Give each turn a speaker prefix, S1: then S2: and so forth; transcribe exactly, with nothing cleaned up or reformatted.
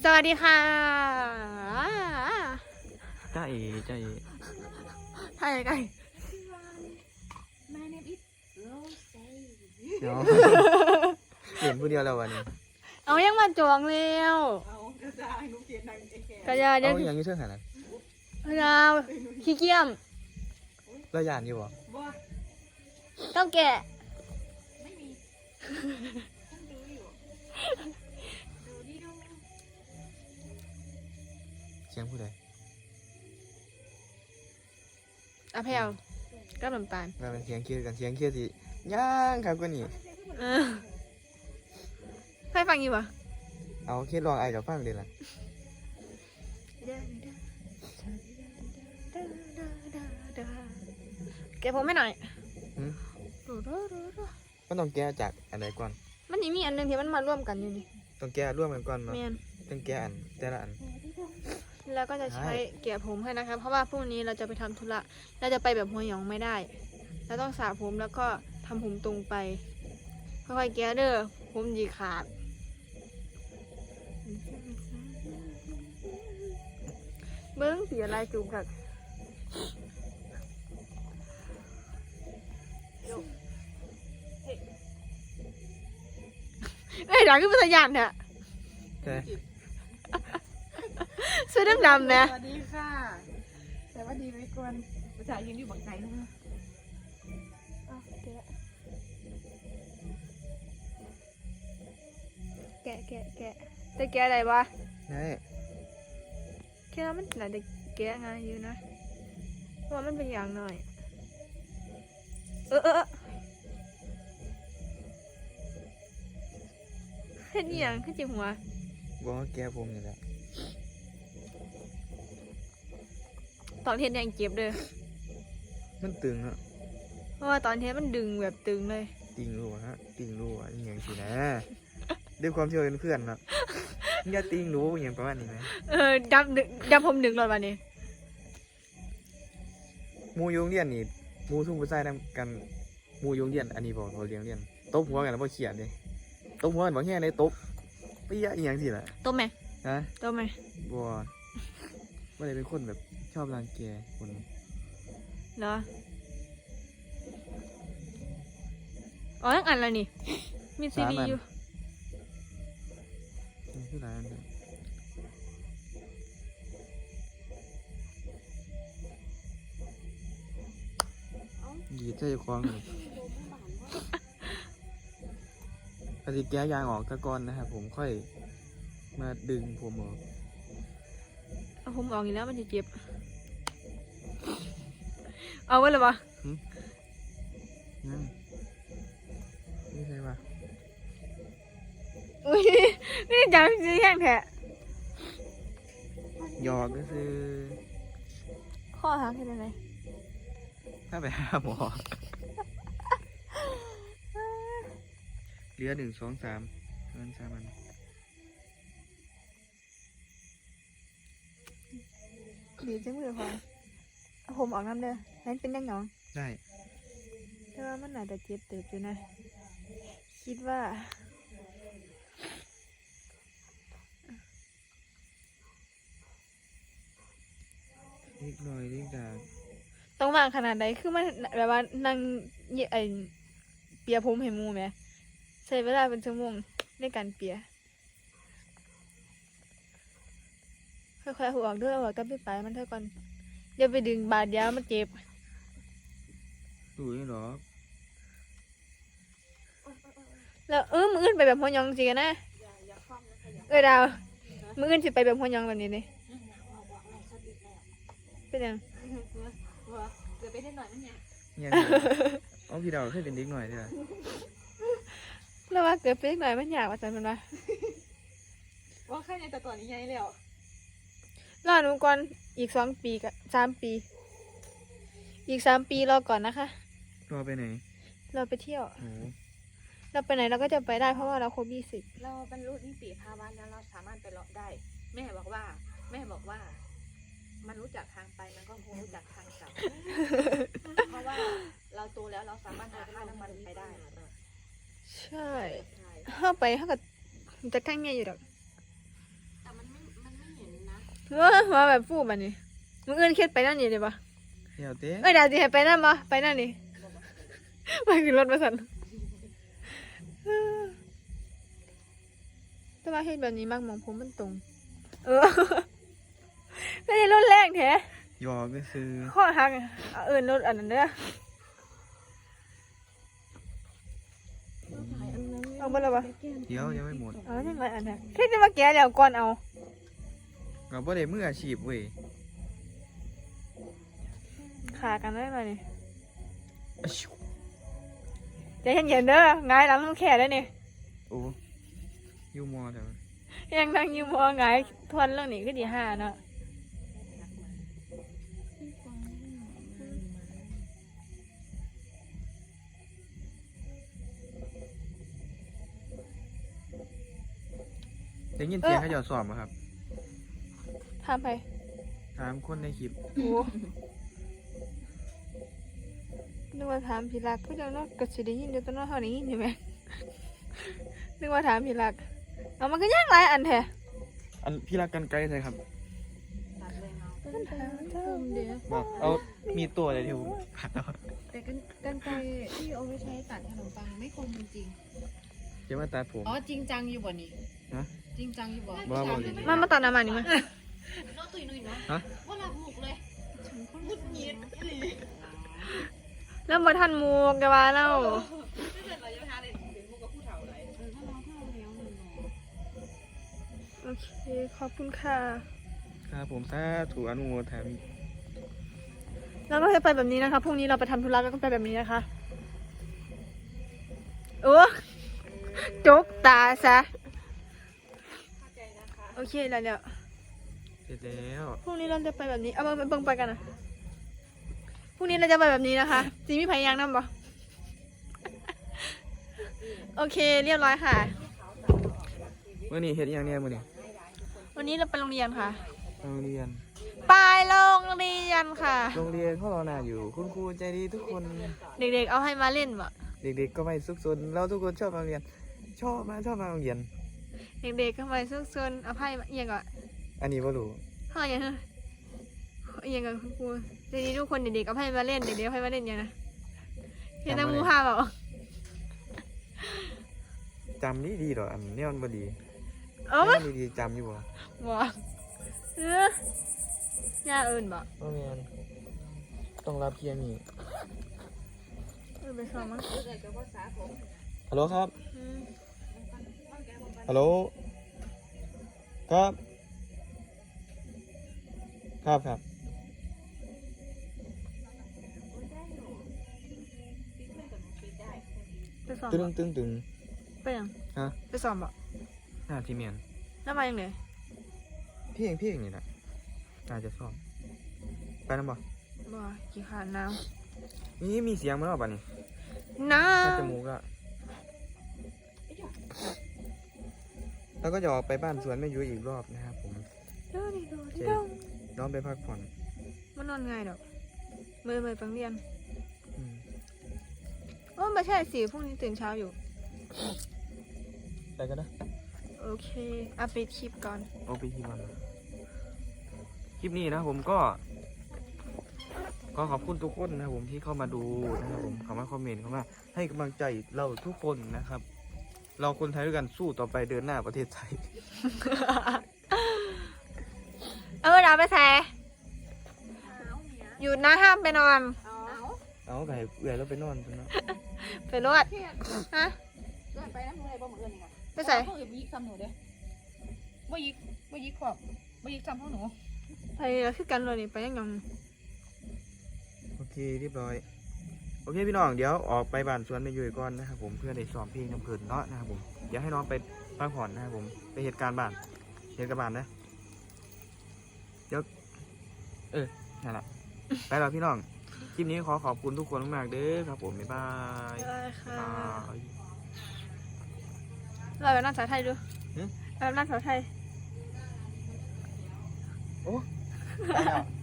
S1: สวัสดีค่ะ
S2: จ้าเอ๋จ้าเอ๋
S1: ถ่ายไง
S2: เนาะเห็นผู้เดียวแล้ววันนี้
S1: เอายังมาจองเร็วกระยาเดี๋ยว
S2: เอาอย่างนี้เชื่อขนาดนั้น
S1: กระยาขี้เกียจ
S2: เราหยานอยู่บ่
S1: ต้องแกะ
S2: เสียงผู้ใด
S1: อะแพลวกับน้ำตาล
S2: เราเป็นเสียงเครียดกันเสียงเครียดสิย่างครับก็นี่
S1: เออใครฟังอยู่ปะ
S2: เอาเครียดลองไอ้กับฟังเดี๋ยวละ
S1: แกะผมไม่หน่อย
S2: มันต้องแก้จากอันใดก่อน
S1: มันนี่มีอันหนึงที่มันมาร่วมกันอยู่นี่
S2: ต้องแก้ร่วมกันก่อนมา
S1: แมน
S2: ต้องแก้อันแต่ละอัน
S1: แล้วก็จะใช้แกะผมให้นะคะเพราะว่าพรุ่งนี้เราจะไปทำธุระเราจะไปแบบหัวหยองไม่ได้เราต้องสระผมแล้วก็ทำผมตรงไปค่อยๆแกะเด้อผมดีขาดเบิ้งเสียลายจูบกับเอ้ยดังขึ้นมาสัญญาณเนี่ย
S2: ใช่
S1: เสื้อดำๆนะ
S3: สวัสดีค่ะ แต่ว่าดีไว้ก่อนภาษายืนอยู่บังไก่นะคะ
S1: แกะแกะแกะจะแกะอะไรวะ
S2: ได้
S1: แค่มันน่าจะแกะง่ายอยู่นะเพราะว่ามันเป็นอย่างหน่อยเออเออเฮ็ดอีหยังขึ้นจิหัว
S2: บอกว่าแก้ผมนี่แหละ
S1: ตอนเฮ็ดยังเจ็บเด้อ
S2: มันตึงอะ
S1: เพราะว่าตอนเฮ็ดมันดึงแบบตึงเลย
S2: ติงรู้ฮะติงรู้อ่ะอย่างสินะด้วยความที่เราเป็นเพื่อนเนาะอย่าติงรู้อย่างประมาณนี้ไหม
S1: เออดับดึงดับผมดึงเลยวันนี้
S2: มูยงเรียนนี่มูทุ่งผู้ชายนำกันมูยงเรียนอันนี้บอกเขาเลี้ยงเรียนตบหัวกันแล้วพอเขียนเลยตบหัวกันบอกแค่ในตบไปยะอีหยังสิล่ะ
S1: ต้มไหม
S2: ฮะ
S1: ต้มไหม
S2: บัวว่าเลยเป็นคนแบบชอบรังแกคน
S1: เหรออ๋อยังอ่านอะไรนี่มีซีดีอยู่
S2: นี่คือร้านเนี่ยหยีดใจคล้องเลยปฏิแก้ยางออกตะกอนนะครับผมค่อยมาดึงผมออก
S1: เอาผมออกอีกแล้วมันจะเจ็บเอาไว้เลยวะ
S2: นั่นนี่ใช่ปะ
S1: อุ้ยนี่จังซื้อแห้งแท้
S2: หยอกก็คือ
S1: ข้อหักแค่ไหน
S2: ถ้าไปหาหมอเหลือหนึ่งสองสามเงินสามอัน
S1: ดีจังเลยพอเอาผมออกน้ำเด้อนั่นเป็นยังหนอง
S2: ได้
S1: แต่ว่ามันอาจจะเจ็บเติบอยู่นะคิดว่า
S2: เล็กน้อยเล็กดา
S1: ต้องวางขนาดใดคือมันแบบว่านั่งเยไอเปียผมให้หมูไหมใช้เวลาเป็นชั่วโมงในการเปียค่อยๆหัวออกด้วยหัวกับพี่ไปมันเท่ากันอย่าไปดึงบาดเดียวมันเจ็บ
S2: ดูนี่หรอ
S1: แล้วเออมืออื่นไปแบบหัวยองจริงๆนะเออดาวมืออื่นสิไปแบบหัวยองแบบนี้นี่เป็นยัง
S3: เกิดไปได้หน่อยมั้ยเนี่ย
S2: ยังเอาพี่ดาวเคยเป็นเด็กหน่อยใช่ไหม
S1: แล้วว่าเกิดเป็นหน่อยมันอยากว่าจันมันวะ
S3: ว่าแค่ในแต่ก่อนนี้ไงแล้ว
S1: รอหนูก่อนอีกสองปีกับสามปี อีกสามปีรอก่อนนะคะ
S2: รอไปไหน
S1: เราไปเที่ยว
S2: โอ้
S1: เราไปไหนเราก็จะไปได้เพราะว่าเราครบยี่สิบ
S3: เราบรรลุนิติภาวะแล้วเราสามารถไปเลาะได้ แม่บอกว่า แม่บอกว่า มันรู้จักทางไปมันก็คงรู้จักทางกลับ เพราะว่าเราโตแล้วเราสามารถหาค่าน้ำมันไปได้
S1: ใช่เข้าไปเขาก็จะข้างเงี้ยอยู่ดอก
S3: แต่มันไม่
S1: เออมาแบบฟูแบบนี้มึงเอื้อนเครียดไปนั่นนี่เลยปะ
S2: เดี๋ยวเต้
S1: เอ้ยเดี๋ยวสิให้ไปนั่นปะไปนั่นนี่ไปขึ้นรถมาสั่นแต่ว่าเฮ็ดแบบนี้มากมองผมมันตรง เออไม่ได้รถแรงแท้
S2: หยอกก็คือ
S1: ข้อหักเอาเอินรถอันนั้นเด้อเอาบ่ละปะ
S2: เดี๋ยวยังไม่หมด
S1: เอายังไงอันนั้นแค่จะมาแกะแล้วก่อนเอา
S2: ก็บ่ได้มืออาชีพเว้ย
S1: ขากันได้ไหมนี่
S2: อะชิว
S1: ใจเย็นๆเด้อหงายหลังต้องแขนได้นี่
S2: โอ้ยูมอแต่ว่า
S1: ยังนั่งอยู่มองหงายทวนเรื่องนี้ก็ดีห้าเนาะ
S2: ได้ยินเสียงเขาเจ้าสอบบ่ครับ
S1: ทำไป
S2: ถามคนในคลิป
S1: โอ้นึกว่าถามพี่รักก็จะนอกกระสิได้ยินเดี๋ยวต้นนอกเท่านี้ใช่ไหมนึกว่าถามพี่รักเอามันก็ย่างไรอันแท้
S2: อันพี่รักกันไกลใช่ครับ
S3: ตัดเลยเนาะ
S2: บอกเอามีตัวอะไรที่ผมผัดเอา
S3: แต่กันกันไกรที่เอาไว้ใช้ตัดขนมปังไม่คมจริง
S2: จะมาตัดผม
S3: ๆอ๋อจริงจังอยู่บ่นี่
S2: ฮะ
S3: จริงจังอยู่บ่
S2: บ่บ่เลย
S1: มันมาตัดน้ำมันนี่มั้ย
S3: น้องตุยนุยเนาะ
S2: ฮะ
S3: ว่าหลับหมุกเลยฉันคนมุดยิด
S1: แล้วมาทันหมูกะว่าแล้ว
S3: ถ้าเกิดเราจะทานอะไรเป็นมุกกับผู้เฒ่าอะไรเออถ้าเราเข้าแล้วหนึ่งเนาะ
S1: โอเคขอบคุณค่ะ
S2: ครับผมสาธุอนุโมทนามิ
S1: แล้วก็จะไปแบบนี้นะคะพรุ่งนี้เราไปทำธุระแล้วก็ไปแบบนี้นะคะโอ้จกตาซะ
S3: เข้าใจนะคะ
S1: โอเคแล้วเดี๋ยว
S2: เสร็จแล้ว
S1: พรุ่งนี้เราจะไปแบบนี้ เอามาเบิ่งไปกันนะพรุ่งนี้เราจะไปแบบนี้นะคะจีมีพยายางนำบ่ โอเคเรียบร้อยค่ะ
S2: เมื่อนี้เฮ็ดอหย่างเนี้ยมื้อนี้
S1: วันนี้เราไปโรงเรียนค่ะ
S2: โรงเรียน
S1: ไปโรงเรียนค่ะ
S2: โรงเรียนเขารอหน้าอยู่ คุณครูใจดีทุกคน
S1: เด็กๆเอาให้มาเล่นบ่
S2: เด็กๆก็ไม่ซุกซนเราทุกคนชอบมาโรงเรียน ชอบมาชอบมาโรงเรียน
S1: เด็กๆก็มาซุกซนเอาไพ่มาเอียงก่อน
S2: อันนี้บ่รู้
S1: เท่าไหร่ยังเอียงก่อนคุณครูใจดีทุกคนเด็กๆเอาไพ่มาเล่นเด็กๆเอาไพ่มาเล่นยังนะเห็นน้ำมูพาเปล่า
S2: จำนี่ดีดอกอันนี้มันบ่ดี
S1: เอ้า
S2: แนวดีๆจำอยู่บ่
S1: บ่เออย่าเอิญบ่
S2: บ่แม่นต้องรับเพียงนี่
S1: เออไปสอบมั้ง
S3: เกิดกับภาษาผม
S2: ฮัลโหลครับ
S1: อืม
S2: ฮัลโหล ครับ ครับครับ
S1: ไปสอบ
S2: ตึง
S1: บ่
S2: ตึงตึง
S1: ไปยัง
S2: ฮะ
S1: ไปสอบบ่
S2: หน้าที่เมียน
S1: แล้วมายังไง
S2: เพียงเพียงนี่แหละน่าจะซ่อมไปนำบ่
S1: บ่กี่ขาดน้
S2: นี่มีเสียงมันออกป่ะนี่
S1: ำน้
S2: ถ้าจมูกอะแล้วก็จะออกไปบ้านสวนแม่ยุ้ยอีกรอบนะครับผม
S1: ำดูดิดูดิดู
S2: น้องไปพักผ่อน
S1: มันนอนไงดอกมือมือปังเรียน
S2: อืม
S1: โอ้ไม่ใช่สิพรุ่งนี้ตื่นเช้าอยู่
S2: ไปกันนะ
S1: โอเคอัปเดตคลิปก่อน
S2: โอไปที่มันคลิปนี้นะครับผมก็ ก็ขอบคุณทุกคนนะครับผมที่เข้ามาดูนะครับผมเข้ามาคอมเมนต์เข้ามาให้กำลังใจเราทุกคนนะครับ เราคนไทยด้วยกันสู้ต่อไปเดินหน้าประเทศไทย
S1: เออดาวไปแส่อยู่นะห้ามไปนอน
S3: เอา
S2: เอาไก่เอื่อยแล้วไปนอนตรงนั้น
S1: ไปรวดฮะ
S3: เกิดไปน้ำมือเลยบ่เหมือนนี่ค่ะ
S1: ไปใส่
S3: เขาอย่ายิกซ้ำหนูเด้บ่ยิกบ่ยิกขอบบ่ยิกซ้ำพวกหนู
S1: ไปคือกันเลยนี่ไปยังยัง
S2: โอเคเรียบร้อยโอเคพี่น้องเดี๋ยวออกไปบ้านสวนแม่ยุ้ยก่อนนะครับผมเพื่อได้ซ้อมเพลงน้ำเพลินเนาะนะครับผมเดี๋ยวให้น้องไปพักผ่อนนะครับผมไปเหตุการณ์บ้านเหตุการณ์บ้านนะเดี๋ยวเออนั่นแหละไปแล้วพี่น้องคลิปนี้ขอขอบคุณทุกคนมากๆเด้อครับผมบ๊ายบาย
S1: ได้ค่ะ
S2: บ๊ายบาย
S1: เราแบบนั่งสาวไทยดู
S2: หึ
S1: แบบนั่งสาวไทย
S2: โอ้ไปแล้ว